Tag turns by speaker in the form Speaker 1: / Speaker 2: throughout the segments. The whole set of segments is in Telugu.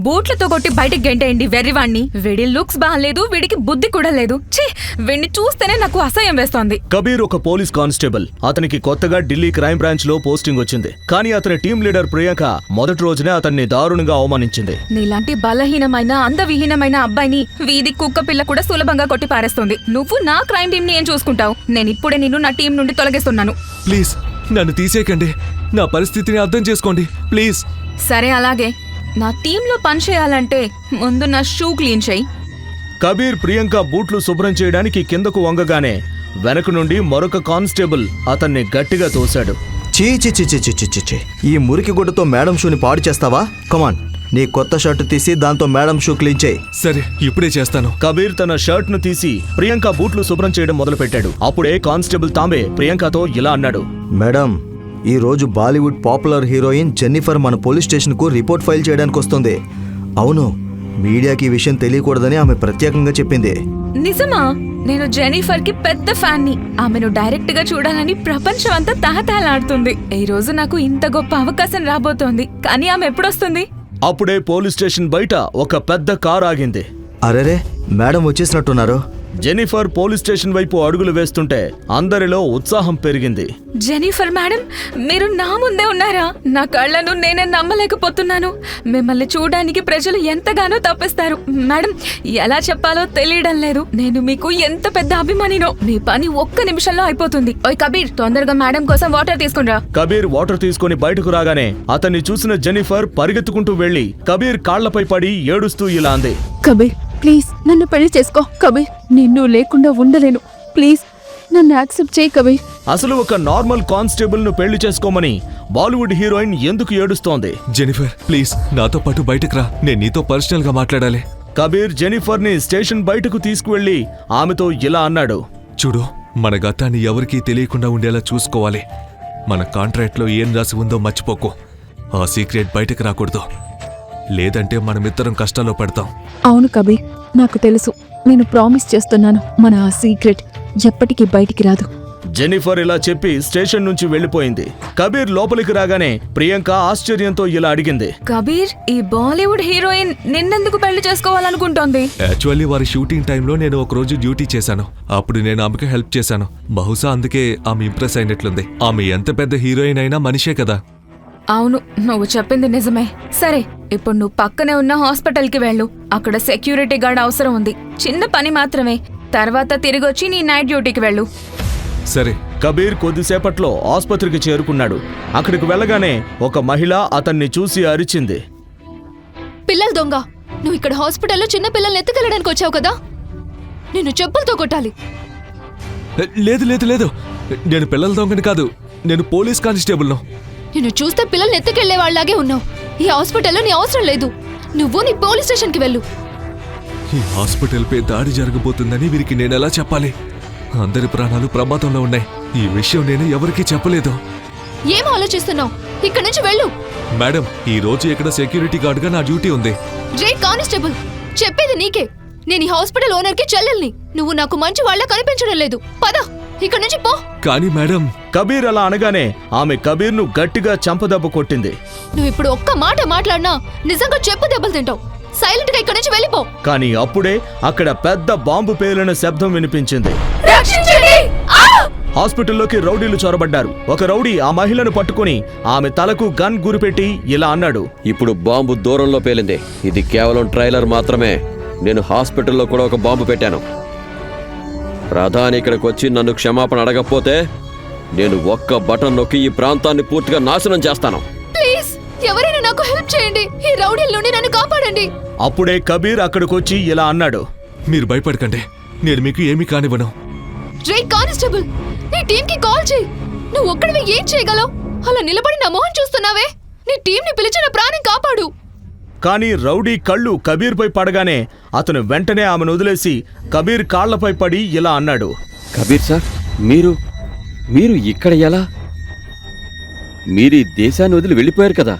Speaker 1: బూట్లతో కొట్టి బయటికి గెంటేయండి వెర్రివాణ్ణి. వీడి లుక్స్ బాగాలేదు, వీడికి బుద్ధి కూడా లేదు. ఛీ, వీడిని చూస్తేనే నాకు అసహ్యం వేస్తోంది.
Speaker 2: కబీర్ ఒక పోలీస్ కానిస్టేబుల్. అతనికి కొత్తగా ఢిల్లీ క్రైమ్ బ్రాంచ్ లో పోస్టింగ్ వచ్చింది. కానీ అతని టీం లీడర్ ప్రియాంక మొదటి రోజునే అతన్ని దారుణంగా అవమానించింది.
Speaker 1: నీలాంటి బలహీనమైన అందవిహీనమైన అబ్బాయిని వీధి కుక్క పిల్ల కూడా సులభంగా కొట్టి పారేస్తుంది. నువ్వు నా క్రైమ్ టీం ని ఏం చూసుకుంటావు? నేను ఇప్పుడే నిన్ను నా టీం నుండి తొలగిస్తున్నాను.
Speaker 3: ప్లీజ్ నన్ను తీసేయకండి. నా పరిస్థితిని అర్థం చేసుకోండి ప్లీజ్.
Speaker 1: సరే అలాగే. నా టీంలో పని చేయాలంటే ముందు నా షూ క్లీన్ చేయి.
Speaker 2: కబీర్ ప్రియాంక బూట్లు శుభ్రం చేయడానికి కిందకు వంగగానే వెనక నుండి మరొక కానిస్టేబుల్ అతన్ని గట్టిగా తోశాడు.
Speaker 4: చీ చీ చీ చీ చీ చీ చీ, ఈ మురికి గుడ్డతో మేడం షూని పాడు చేస్తావా? కమాన్, నీ కొత్త షర్టు తీసి దాంతో మేడం షూ క్లీన్ చేయి.
Speaker 3: సరే ఇప్పుడే చేస్తాను.
Speaker 2: కబీర్ తన షర్ట్ ను తీసి ప్రియాంక బూట్లు శుభ్రం చేయడం మొదలుపెట్టాడు. అప్పుడే కానిస్టేబుల్ తాంబే ప్రియాంకతో ఇలా అన్నాడు.
Speaker 4: మేడం, ఈ రోజు బాలీవుడ్ పాపులర్ హీరోయిన్ జెన్నిఫర్ మన పోలీస్ స్టేషన్ కు రిపోర్ట్ ఫైల్ చేయడానికి వస్తుంది. అవును, మీడియాకి ఈ విషయం తెలియకూడదని ఆమె ప్రత్యేకంగా చెప్పింది.
Speaker 1: నిజమా? నేను జెన్నిఫర్ కి పెద్ద ఫ్యాన్ ని. ఆమెను డైరెక్ట్ గా చూడాలని ప్రపంచం అంతా తహతహలాడుతుంది. ఈ రోజు నాకు ఇంత గొప్ప అవకాశం రాబోతోంది. కానీ ఆమె ఎప్పుడొస్తుంది?
Speaker 2: అప్పుడే పోలీస్ స్టేషన్ బయట ఒక పెద్ద కారు ఆగింది.
Speaker 4: అరెరే, మేడం వచ్చేసినట్టున్నారు.
Speaker 2: జెన్నిఫర్ పోలీస్ స్టేషన్ వైపు అడుగులు వేస్తుంటే అందరిలో ఉత్సాహం పెరిగింది.
Speaker 1: జెన్నిఫర్ మేడం, మీరు నా ముందే ఉన్నారా? నా కళ్ళను నేనే నమ్మలేకపోతున్నాను. మిమ్మల్ని చూడడానికి ప్రజలు ఎంతగానో తప్పిస్తారు. మేడం, ఎలా చెప్పాలో తెలియడం లేదు. నేను మీకు ఎంత పెద్ద అభిమానినో. మీ పని ఒక్క నిమిషంలో అయిపోతుంది. ఓయ్ కబీర్, తొందరగా మేడం కోసం వాటర్ తీసుకునిరా.
Speaker 2: కబీర్ వాటర్ తీసుకుని బయటకు రాగానే అతన్ని చూసిన జెన్నిఫర్ పరిగెత్తుకుంటూ వెళ్లి కబీర్ కాళ్లపై పడి ఏడుస్తూ ఇలా అంది.
Speaker 5: కబీర్, ప్లీజ్ నన్ను పెళ్లి చేసుకో. కబీర్, నిన్ను లేకుండా ఉండలేను. ప్లీజ్ నన్ను యాక్సెప్ట్ చేయి కబీర్.
Speaker 2: అసలు ఒక నార్మల్ కానిస్టేబుల్ ను పెళ్లి చేసుకోమని బాలీవుడ్ హీరోయిన్ ఎందుకు ఏడుస్తోంది?
Speaker 3: జెనిఫర్ ప్లీజ్ నాతో పాటు బయటకు రా. నేను నీతో పర్సనల్ గా మాట్లాడాలి.
Speaker 2: కబీర్ జెన్నిఫర్ ని స్టేషన్ బయటకు తీసుకువెళ్లి ఆమెతో ఇలా అన్నాడు.
Speaker 3: చూడు, మన గతాన్ని ఎవరికీ తెలియకుండా ఉండేలా చూసుకోవాలి. మన కాంట్రాక్ట్ లో ఏం రాసి ఉందో మర్చిపోకు. ఆ సీక్రెట్ బయటకు రాకూడదు, లేదంటే మనమిద్దరం కష్టాల్లో పడతాం.
Speaker 5: అవును కబీర్, నాకు తెలుసు. నేను ప్రామిస్ చేస్తున్నాను, మన ఆ సీక్రెట్ ఎప్పటికీ బయటికి రాదు.
Speaker 2: జెన్నిఫర్ ఇలా చెప్పి స్టేషన్ నుంచి వెళ్లిపోయింది. కబీర్ లోపలికి రాగానే ప్రియాంక ఆశ్చర్యంతో ఇలా అడిగింది.
Speaker 1: కబీర్, ఈ బాలీవుడ్ హీరోయిన్ నిన్నెందుకు పెళ్లి చేసుకోవాలనుకుంటోంది?
Speaker 3: యాక్చువల్లీ వారి షూటింగ్ టైంలో నేను ఒక రోజు డ్యూటీ చేశాను. అప్పుడు నేను ఆమెకు హెల్ప్ చేశాను. బహుశా అందుకే ఆమె ఇంప్రెస్ అయినట్లుంది. ఆమె ఎంత పెద్ద హీరోయిన్ అయినా మనిషే కదా.
Speaker 1: అవును, నువ్వు చెప్పింది నిజమే. సరే, ఇప్పుడు నువ్వు పక్కనే ఉన్న హాస్పిటల్కి వెళ్ళు. అక్కడ సెక్యూరిటీ గార్డ్ అవసరం ఉంది. చిన్న పని మాత్రమే. తర్వాత తిరిగొచ్చి నీ నైట్ డ్యూటీకి వెళ్ళు.
Speaker 3: సరే.
Speaker 2: కబీర్ కొద్దిసేపట్లో ఆసుపత్రికి చేరుకున్నాడు. అక్కడికి వెళ్ళగానే ఒక మహిళ అతన్ని చూసి అరిచింది.
Speaker 6: పిల్లల దొంగ, నువ్వు ఇక్కడ హాస్పిటల్లో చిన్న పిల్లల్ని ఎత్తుకెళ్ళడానికి వచ్చావు కదా? నిన్ను చెప్పులతో కొట్టాలి.
Speaker 3: లేదు లేదు లేదు, నేను పిల్లల దొంగని కాదు. నేను పోలీస్ కానిస్టేబుల్ను.
Speaker 6: నిన్ను చూస్తే పిల్లల్ని ఎత్తుకెళ్లే వాళ్ళలాగే ఉన్నావు. ఈ హాస్పిటల్లో నీ అవసరం లేదు. నువ్వు నీ పోలీస్ స్టేషన్కి వెళ్ళు.
Speaker 3: ఈ హాస్పిటల్ పై దాడి జరగబోతుందని వీరికి నేనెలా చెప్పాలి? అందరి ప్రాణాలు ప్రమాదంలో ఉన్నాయి. ఈ విషయం నేను ఎవరికీ చెప్పలేదు.
Speaker 6: ఏం ఆలోచిస్తున్నావు? ఇక్కడి నుంచి వెళ్ళు.
Speaker 3: మేడం, ఈ రోజు ఇక్కడ సెక్యూరిటీ గార్డ్ గా నా డ్యూటీ ఉంది.
Speaker 6: రే కానిస్టేబుల్, చెప్పేది నీకే. నేను ఈ హాస్పిటల్ ఓనర్ కి చెల్లెల్ని. నువ్వు నాకు మంచి వాళ్ళ కనిపించడం లేదు. పద, ఇక్కడి నుంచి పో.
Speaker 3: కానీ మేడం.
Speaker 2: కబీర్ అలా అనగానే ఆమె కబీర్ ను గట్టిగా చంపదెబ్బ కొట్టింది.
Speaker 6: నువ్వు ఇప్పుడు ఒక్క మాట మాట్లాడినా నిజంగా చెప్పు దెబ్బలు తింటావు. సైలెంట్ గా ఇక్కడి నుంచి వెళ్ళిపో.
Speaker 2: కానీ అప్పుడే అక్కడ పెద్ద బాంబు పేలిన శబ్దం వినిపించింది. హాస్పిటల్లోకి రౌడీలు చొరబడ్డారు. ఒక రౌడీ ఆ మహిళను పట్టుకుని ఆమె తలకు గన్ గురిపెట్టి ఇలా అన్నాడు.
Speaker 7: ఇప్పుడు బాంబు దూరంలో పేలింది. ఇది కేవలం ట్రైలర్ మాత్రమే. నేను హాస్పిటల్లో కూడా ఒక బాంబు పెట్టాను. ప్రధాని ఇక్కడికి వచ్చి నన్ను క్షమాపణ అడగకపోతే నేను ఒక్క బటన్ నొక్కి ఈ ప్రాంతాన్ని పూర్తిగా నాశనం చేస్తాను.
Speaker 6: ప్లీజ్, ఎవరైనా నాకు హెల్ప్ చేయండి. ఈ రౌడీల నుండి నన్ను కాపాడండి.
Speaker 2: అప్పుడే కబీర్ అక్కడికొచ్చి ఇలా అన్నాడు.
Speaker 3: మీరు భయపడకండి, నేను మీకు ఏమీ కానివ్వను.
Speaker 6: రే కానిస్టేబుల్, నీ టీం కి కాల్ చేయి. నువ్వు ఒక్కడివి ఏం చేయగలవు? అలా నిలబడి నా మొహం చూస్తున్నావే? నీ టీం ని పిలిచిన ప్రాణం కాపాడు.
Speaker 2: కానీ రౌడీ కళ్ళు కబీర్ పై పడగానే అతను వెంటనే ఆమెను వదిలేసి కబీర్ కాళ్లపై పడి ఇలా అన్నాడు.
Speaker 7: కబీర్ సార్, మీరు ఇక్కడ ఎలా? మీరు ఈ దేశాన్ని వదిలి వెళ్ళిపోయారు కదా.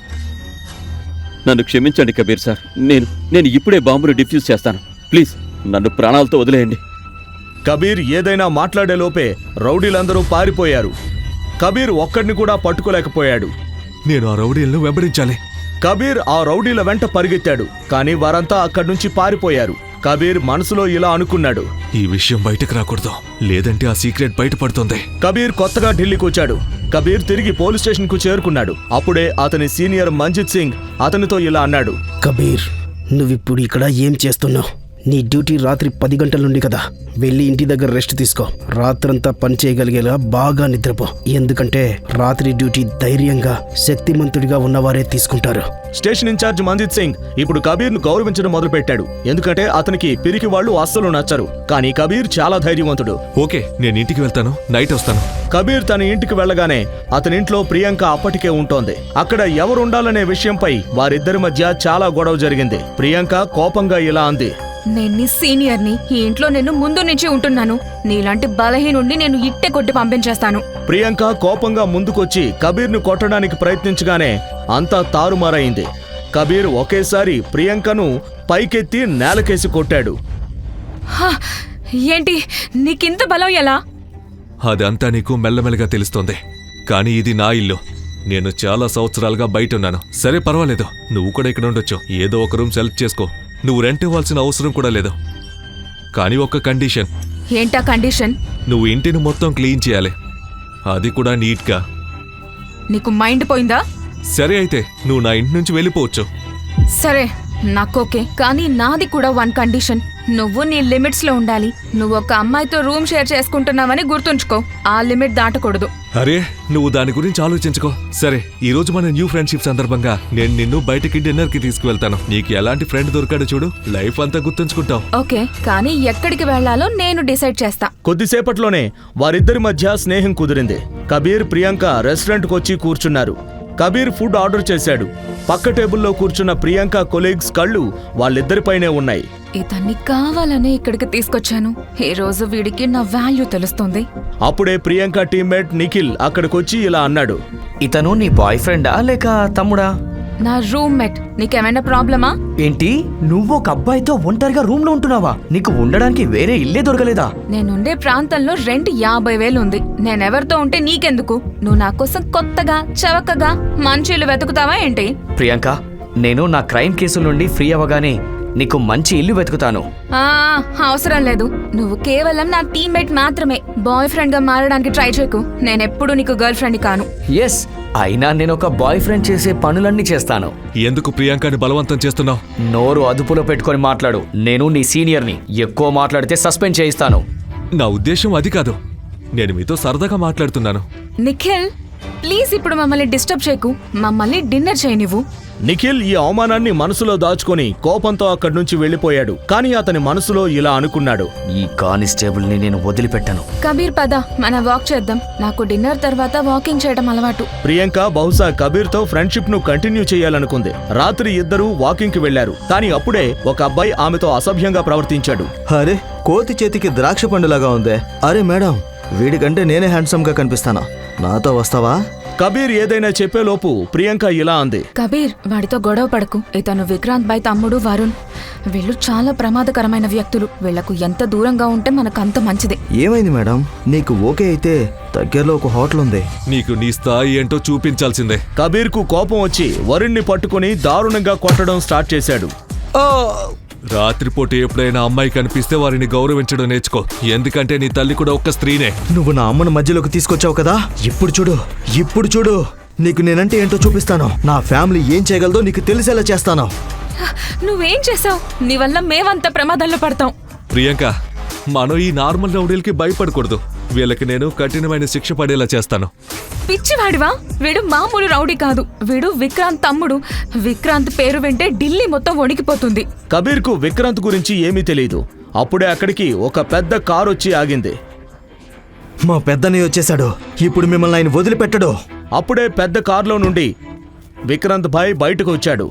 Speaker 7: నన్ను క్షమించండి కబీర్ సార్. నేను ఇప్పుడే బాంబును డిఫ్యూజ్ చేస్తాను. ప్లీజ్ నన్ను ప్రాణాలతో వదిలేయండి.
Speaker 2: కబీర్ ఏదైనా మాట్లాడేలోపే రౌడీలందరూ పారిపోయారు. కబీర్ ఒక్కడిని కూడా పట్టుకోలేకపోయాడు.
Speaker 3: నేను ఆ రౌడీలను వెంబడించాలి.
Speaker 2: కబీర్ ఆ రౌడీల వెంట పరిగెత్తాడు, కానీ వారంతా అక్కడి నుంచి పారిపోయారు. కబీర్ మనసులో ఇలా అనుకున్నాడు,
Speaker 3: ఈ విషయం బయటకు రాకూడదు, లేదంటే ఆ సీక్రెట్ బయటపడుతుంది.
Speaker 2: కబీర్ కొత్తగా ఢిల్లీకి వచ్చాడు. కబీర్ తిరిగి పోలీస్ స్టేషన్ కు చేరుకున్నాడు. అప్పుడే అతని సీనియర్ మంజిత్ సింగ్ అతనితో ఇలా అన్నాడు,
Speaker 8: కబీర్, నువ్విప్పుడు ఇక్కడ ఏం చేస్తున్నావు? నీ డ్యూటీ రాత్రి 10 గంటల నుండి కదా. వెళ్ళి ఇంటి దగ్గర రెస్ట్ తీసుకో. రాత్రంతా పని చేయగలిగేలా బాగా నిద్రపో. ఎందుకంటే రాత్రి డ్యూటీ ధైర్యంగా శక్తిమంతుడిగా ఉన్నవారే తీసుకుంటారు.
Speaker 2: స్టేషన్ ఇన్ఛార్జ్ మంజిత్ సింగ్ ఇప్పుడు కబీర్ ను గౌరవించడం మొదలుపెట్టాడు. ఎందుకంటే అతనికి పిరికి వాళ్ళు అస్సలు నచ్చరు. కానీ కబీర్ చాలా ధైర్యవంతుడు.
Speaker 3: ఓకే, నేను ఇంటికి వెళ్తాను, నైట్ వస్తాను.
Speaker 2: కబీర్ తన ఇంటికి వెళ్ళగానే అతనింట్లో ప్రియాంక అప్పటికే ఉంటోంది. అక్కడ ఎవరుండాలనే విషయంపై వారిద్దరి మధ్య చాలా గొడవ జరిగింది. ప్రియాంక కోపంగా ఇలా అంది,
Speaker 1: నేను నీ సీనియర్ని, ఈ ఇంట్లో నేను ముందు నుంచి ఉంటున్నాను. నీలాంటి బలహీనుండి నేను ఇట్టే కొట్టి పంపించేస్తాను.
Speaker 2: ప్రియాంక కోపంగా ముందుకొచ్చి కబీర్ ను కొట్టడానికి ప్రయత్నించగానే అంతా తారుమారైంది. కబీర్ ఒకేసారి ప్రియాంకను పైకెత్తి నేలకేసి కొట్టాడు.
Speaker 1: హా, ఏంటి నీకింత బలం ఎలా?
Speaker 3: అదంతా నీకు మెల్లమెల్లగా తెలుస్తోంది, కానీ ఇది నా ఇల్లు. నేను చాలా సంవత్సరాలుగా బయట ఉన్నాను. సరే, పర్వాలేదు, నువ్వు కూడా ఇక్కడ ఉండొచ్చు. ఏదో ఒక రూమ్ సెలెక్ట్ చేసుకో. నువ్వు రెంట్ ఇవ్వాల్సిన అవసరం కూడా లేదు. కానీ ఒక కండిషన్.
Speaker 1: ఏంటా కండిషన్?
Speaker 3: నువ్వు ఇంటిని మొత్తం క్లీన్ చేయాలి, అది కూడా నీట్గా.
Speaker 1: నీకు మైండ్ పోయిందా?
Speaker 3: సరే అయితే నువ్వు నా ఇంటి నుంచి వెళ్ళిపోవచ్చు.
Speaker 1: సరే, నాకోకే, కానీ నాది కూడా వన్ కండిషన్. నువ్వు నీ లిమిట్స్ లో ఉండాలి. నువ్వు ఒక అమ్మాయితో రూమ్ షేర్ చేసుకుంటున్నావని గుర్తుంచుకో. ఆ లిమిట్ దాటకూడదు.
Speaker 3: అరే, నువ్వు దాని గురించి ఆలోచించుకో. సరే, ఈ రోజు మన న్యూ ఫ్రెండ్షిప్ సందర్భంగా నేను నిన్ను బయటికి డిన్నర్ కి తీసుకువెళ్తాను. నీకు ఎలాంటి ఫ్రెండ్ దొరికాడు చూడు, లైఫ్ అంతా గుర్తుంచుకుంటావు.
Speaker 1: ఓకే, కానీ ఎక్కడికి వెళ్లాలో నేను డిసైడ్ చేస్తా.
Speaker 2: కొద్దిసేపట్లోనే వారిద్దరి మధ్య స్నేహం కుదిరింది. కబీర్, ప్రియాంక రెస్టారెంట్కి వచ్చి కూర్చున్నారు. కబీర్ ఫుడ్ ఆర్డర్ చేశాడు. పక్క టేబుల్లో కూర్చున్న ప్రియాంక కొలీగ్స్ కళ్ళు వాళ్ళిద్దరిపైనే ఉన్నాయి.
Speaker 1: ఇతన్ని కావాలనే ఇక్కడికి తీసుకొచ్చాను. ఈ రోజు వీడికి నా వాల్యూ తెలుస్తుంది.
Speaker 2: అప్పుడే ప్రియాంక టీమ్మేట్ నిఖిల్ అక్కడికొచ్చి ఇలా అన్నాడు,
Speaker 9: ఇతను నీ బాయ్ ఫ్రెండా లేక తమ్ముడా?
Speaker 1: నా రూమ్మేట్. నీకేమైనా ప్రాబ్లమా?
Speaker 9: ఏంటి, నువ్వు ఒక అబ్బాయితో ఒంటరిగా రూమ్ లో ఉంటున్నావా? నీకు ఉండడానికి వేరే ఇల్లే దొరకలేదా?
Speaker 1: నేనుండే ప్రాంతంలో రెంట్ 50,000 ఉంది. నేనెవరితో ఉంటే నీకెందుకు? నువ్వు నా కోసం కొత్తగా చవకగా మంచిలు వెతుకుతావా ఏంటి?
Speaker 9: ప్రియాంక, నేను నా క్రైమ్ కేసుల నుండి ఫ్రీ అవ్వగానే నీకు మంచి ఇల్లు వెతుకుతాను.
Speaker 1: ఆ, అవసరం లేదు. నువ్వు కేవలం నా టీమ్మేట్ మాత్రమే. బాయ్ ఫ్రెండ్ గా మారడానికి ట్రై చేయకు. నేనెప్పుడు నీకు గర్ల్ ఫ్రెండ్ కాను.
Speaker 9: ఎస్, అయినా నేను ఒక బాయ్ ఫ్రెండ్ చేసే పనులన్నీ చేస్తాను.
Speaker 3: ఎందుకు ప్రియాంకని బలవంతం చేస్తున్నావు?
Speaker 9: నోరు అదుపులో పెట్టుకొని మాట్లాడు. నేను నీ సీనియర్ని. ఎక్కువ మాట్లాడితే సస్పెండ్ చేయిస్తాను.
Speaker 3: నా ఉద్దేశం అది కాదు, నేను మీతో సరదాగా మాట్లాడుతున్నాను.
Speaker 1: నిఖిల్, ప్లీజ్ ఇప్పుడు మమ్మల్ని డిస్టర్బ్ చేయకు. మమ్మల్ని డిన్నర్ చేయనివ్వు.
Speaker 2: నిఖిల్ ఈ అవమానాన్ని మనసులో దాచుకొని కోపంతో అక్కడి నుంచి వెళ్లిపోయాడు. కానీ అతని మనసులో ఇలా అనుకున్నాడు,
Speaker 9: ఈ కానిస్టేబుల్ ని నేను వదిలిపెట్టను.
Speaker 1: కబీర్, పద మనం వాక్ చేద్దాం. నాకు డిన్నర్ తర్వాత వాకింగ్ చేయడం అలవాటు.
Speaker 2: ప్రియాంక బహుశా కబీర్ తో ఫ్రెండ్షిప్ ను కంటిన్యూ చేయాలనుకుంది. రాత్రి ఇద్దరూ వాకింగ్ కి వెళ్లారు. కానీ అప్పుడే ఒక అబ్బాయి ఆమెతో అసభ్యంగా ప్రవర్తించాడు.
Speaker 4: అరే, కోతి చేతికి ద్రాక్ష పండులాగా ఉందే. అరే మేడం, వీడికంటే నేనే హ్యాండ్సమ్ గా కనిపిస్తానా? నాతో వస్తావా?
Speaker 2: కబీర్ ఏదైనా చెప్పేలోపు ప్రియాంక ఇలా అంది,
Speaker 1: కబీర్, వాడితో గొడవ పడకు. ఇతను విక్రాంత్ బాయ్ తమ్ముడు వరుణ్. వీళ్ళు చాలా ప్రమాదకరమైన వ్యక్తులు. వీళ్లకు ఎంత దూరంగా ఉంటే మనకంత మంచిది.
Speaker 4: ఏమైంది మేడం? నీకు ఓకే అయితే దగ్గరలో ఒక హోటల్ ఉంది.
Speaker 3: నీకు నీ స్థాయి ఏంటో చూపించాల్సిందే.
Speaker 2: కబీర్ కు కోపం వచ్చి వరుణ్ణి పట్టుకుని దారుణంగా కొట్టడం స్టార్ట్ చేశాడు.
Speaker 3: రాత్రిపూట ఎప్పుడైనా అమ్మాయి కనిపిస్తే వారిని గౌరవించడం నేర్చుకో. ఎందుకంటే నీ తల్లి కూడా ఒక్క స్త్రీనే.
Speaker 4: నువ్వు నా అమ్మను మధ్యలోకి తీసుకొచ్చావు కదా, ఇప్పుడు చూడు నీకు నేనంటే ఏంటో చూపిస్తాను. నా ఫ్యామిలీ ఏం చేయగలదో నీకు తెలిసేలా చేస్తాను.
Speaker 1: నువ్వేం చేసావు? నీ వల్ల మేమంతా ప్రమాదాల్లో పడతాం.
Speaker 3: ప్రియాంక, మనం ఈ నార్మల్ రౌడీలకి భయపడకూడదు. వీళ్ళకి నేను కఠినమైన శిక్ష పడేలా చేస్తాను.
Speaker 1: పిచ్చివాడివా? వీడు మామూలు రౌడీ కాదు. వీడు విక్రాంత్ తమ్ముడు. విక్రాంత్ పేరు వింటే ఢిల్లీ మొత్తం వణికిపోతుంది.
Speaker 2: కబీర్ కు విక్రాంత్ గురించి ఏమీ తెలియదు. అప్పుడే అక్కడికి ఒక పెద్ద కారు వచ్చి ఆగింది.
Speaker 4: మా పెద్దన్నయ్య వచ్చేశాడు. ఇప్పుడు మిమ్మల్ని ఆయన వదిలిపెట్టడు.
Speaker 2: అప్పుడే పెద్ద కారులో నుండి విక్రాంత్ భాయ్ బయటకు వచ్చాడు.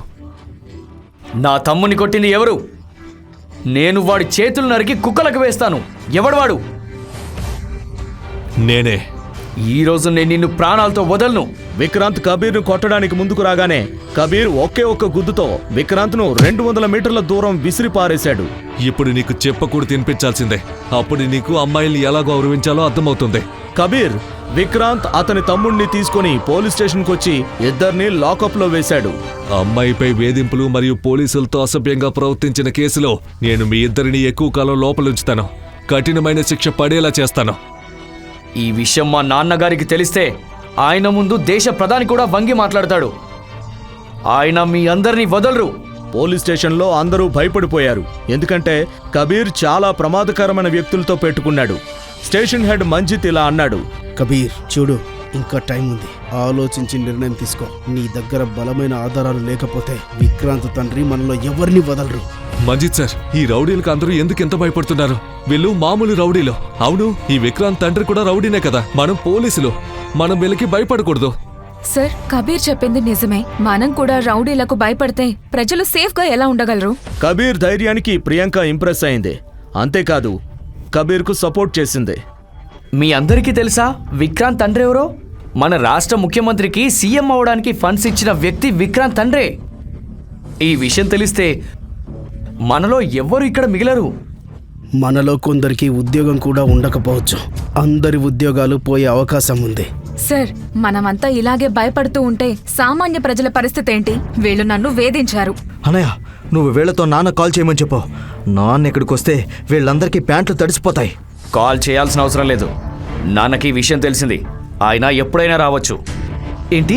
Speaker 9: నా తమ్ముని కొట్టింది ఎవరు? నేను వాడి చేతులు నరికి కుక్కలకు వేస్తాను. ఎవడు వాడు?
Speaker 3: నేనే.
Speaker 9: ఈ రోజు నేను నిన్ను ప్రాణాలతో వదలను.
Speaker 2: విక్రాంత్ కబీర్ ను కొట్టడానికి ముందుకు రాగానే కబీర్ ఒకే ఒక్క గుద్దుతో విక్రాంత్ ను 200 మీటర్ల దూరం విసిరి పారేశాడు.
Speaker 3: ఇప్పుడు నీకు చెప్పకూడదు తినిపించాల్సిందే. అప్పుడు నీకు అమ్మాయిల్ని ఎలా గౌరవించాలో అర్థమవుతుంది.
Speaker 2: కబీర్ విక్రాంత్ అతని తమ్ముణ్ణి తీసుకుని పోలీస్ స్టేషన్కి వచ్చి ఇద్దరిని లాకప్లో వేశాడు.
Speaker 3: అమ్మాయిపై వేధింపులు మరియు పోలీసులతో అసభ్యంగా ప్రవర్తించిన కేసులో నేను మీ ఇద్దరిని ఎక్కువ కాలం లోపలుంచుతాను. కఠినమైన శిక్ష పడేలా చేస్తాను.
Speaker 9: ఈ విషయం మా నాన్నగారికి తెలిస్తే ఆయన ముందు దేశ ప్రధాని కూడా వంగి మాట్లాడతాడు. ఆయన మీ అందరినీ వదలరు.
Speaker 2: పోలీస్ స్టేషన్లో అందరూ భయపడిపోయారు. ఎందుకంటే కబీర్ చాలా ప్రమాదకరమైన వ్యక్తులతో పెట్టుకున్నాడు. స్టేషన్ హెడ్ మంజిత్ ఇలా అన్నాడు.
Speaker 8: కబీర్ చూడు, ఇంకా టైం ఉంది. ఆలోచించి నిర్ణయం తీసుకో. నీ దగ్గర బలమైన ఆధారాలు లేకపోతే విక్రాంత్ తండ్రి మనలో ఎవరిని వదలరు.
Speaker 3: మంజిత్ సార్, ఈ రౌడీలకు అందరూ ఎందుకు ఎంత భయపడుతున్నారు? వీళ్ళు మామూలు రౌడీలు. అవును, ఈ విక్రాంత్ తండ్రి కూడా రౌడీనే కదా. మనం పోలీసులు, మనం వీళ్ళకి భయపడకూడదు.
Speaker 1: సార్, కబీర్ చెప్పింది నిజమే. మనం కూడా రౌడీలకు భయపడితే ప్రజలు సేఫ్గా ఎలా ఉండగలరు?
Speaker 2: కబీర్ ధైర్యానికి ప్రియాంక ఇంప్రెస్ అయింది. అంతేకాదు కబీర్కు సపోర్ట్ చేసింది.
Speaker 9: మీ అందరికీ తెలుసా విక్రాంత్ తండ్రి ఎవరో? మన రాష్ట్ర ముఖ్యమంత్రికి సీఎం అవడానికి ఫండ్స్ ఇచ్చిన వ్యక్తి విక్రాంత్ తండ్రే. ఈ విషయం తెలిస్తే మనలో ఎవ్వరు ఇక్కడ మిగిలరు.
Speaker 8: మనలో కొందరికి ఉద్యోగం కూడా ఉండకపోవచ్చు. అందరి ఉద్యోగాలు పోయే అవకాశం ఉంది.
Speaker 1: సార్, మనమంతా ఇలాగే భయపడుతూ ఉంటే సామాన్య ప్రజల పరిస్థితి ఏంటి? వీళ్ళు నన్ను వేధించారు.
Speaker 4: అనయ్య, నువ్వు వీళ్లతో నాన్న కాల్ చేయమని చెప్పు. నాన్న ఇక్కడికి వస్తే వీళ్ళందరికీ ప్యాంట్లు తడిసిపోతాయి.
Speaker 9: కాల్ చేయాల్సిన అవసరం లేదు. నాన్నకి ఈ విషయం తెలిసింది. ఆయన ఎప్పుడైనా రావచ్చు. ఏంటి?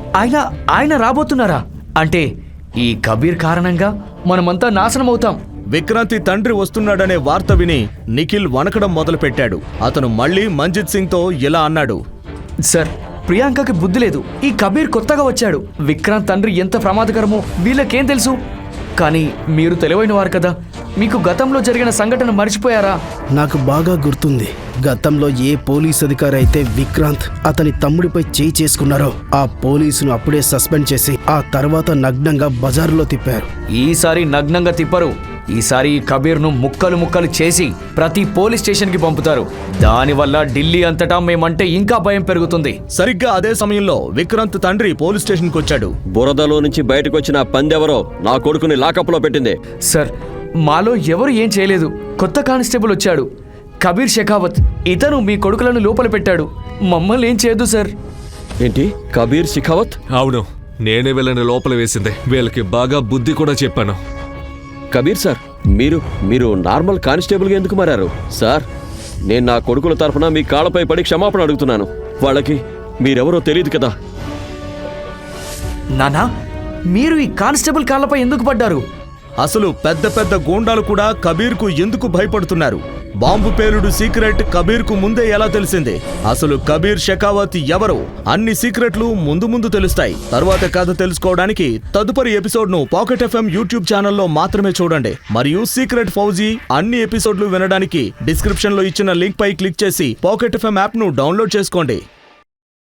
Speaker 9: ఆయన రాబోతున్నారా? అంటే ఈ కబీర్ కారణంగా మనమంతా నాశనం అవుతాం.
Speaker 2: విక్రాంతి తండ్రి వస్తున్నాడనే వార్త విని నిఖిల్ వణకడం మొదలుపెట్టాడు. అతను మళ్ళీ మంజిత్ సింగ్తో ఇలా అన్నాడు.
Speaker 9: సార్, ప్రియాంకకి బుద్ధి లేదు. ఈ కబీర్ కొత్తగా వచ్చాడు. విక్రాంత్ తండ్రి ఎంత ప్రమాదకరమో వీళ్ళకేం తెలుసు? కానీ మీరు తెలివైన వారు కదా, మీకు గతంలో జరిగిన సంఘటన మర్చిపోయారా?
Speaker 8: నాకు బాగా గుర్తుంది. గతంలో ఏ పోలీస్ అధికారి అయితే విక్రాంత్ అతని తమ్ముడిపై చేయి చేసుకున్నారో ఆ పోలీసును అప్పుడే సస్పెండ్ చేసి ఆ తర్వాత నగ్నంగా బజారులో తిప్పారు.
Speaker 9: ఈసారి నగ్నంగా తిప్పరు. ఈసారి ఈ కబీర్ను ముక్కలు ముక్కలు చేసి ప్రతి పోలీస్ స్టేషన్కి పంపుతారు. దానివల్ల ఢిల్లీ అంతటా మేమంటే ఇంకా భయం పెరుగుతుంది.
Speaker 2: సరిగ్గా అదే సమయంలో విక్రాంత్ తండ్రి పోలీస్ స్టేషన్కి వచ్చాడు.
Speaker 7: బురదలో నుంచి బయటకు వచ్చిన పందెవరో నా కొడుకుని లాకప్లో పెట్టింది.
Speaker 9: సార్, మాలో ఎవరు ఏం చేయలేదు. కొత్త కానిస్టేబుల్ వచ్చాడు, కబీర్ షెకావత్. ఇతను మీ కొడుకులను లోపల పెట్టాడు. మమ్మల్ని ఏం చేయదు సార్.
Speaker 7: ఏంటి? కబీర్ షెకావత్?
Speaker 3: అవును, నేనే వీళ్ళని లోపల వేసిందే. వీళ్ళకి బాగా బుద్ధి కూడా చెప్పాను.
Speaker 7: కబీర్ సార్, మీరు నార్మల్ కానిస్టేబుల్గా ఎందుకు మారారు? సార్, నేను నా కొడుకుల తరఫున మీ కాళ్ళపై పడి క్షమాపణ అడుగుతున్నాను. వాళ్ళకి మీరెవరో తెలియదు కదా.
Speaker 9: నానా, మీరు ఈ కానిస్టేబుల్ కాళ్ళపై ఎందుకు పడ్డారు?
Speaker 2: అసలు పెద్ద పెద్ద గూండాలు కూడా కబీర్కు ఎందుకు భయపడుతున్నారు? బాంబు పేలుడు సీక్రెట్ కబీర్కు ముందే ఎలా తెలిసింది? అసలు కబీర్ షెకావత్ ఎవరు? అన్ని సీక్రెట్లు ముందు ముందు తెలుస్తాయి. తరువాత కథ తెలుసుకోవడానికి తదుపరి ఎపిసోడ్ను పాకెట్ ఎఫ్ఎం యూట్యూబ్ ఛానల్లో మాత్రమే చూడండి. మరియు సీక్రెట్ ఫౌజీ అన్ని ఎపిసోడ్లు వినడానికి డిస్క్రిప్షన్లో ఇచ్చిన లింక్ పై క్లిక్ చేసి పాకెట్ ఎఫ్ఎం యాప్ను డౌన్లోడ్ చేసుకోండి.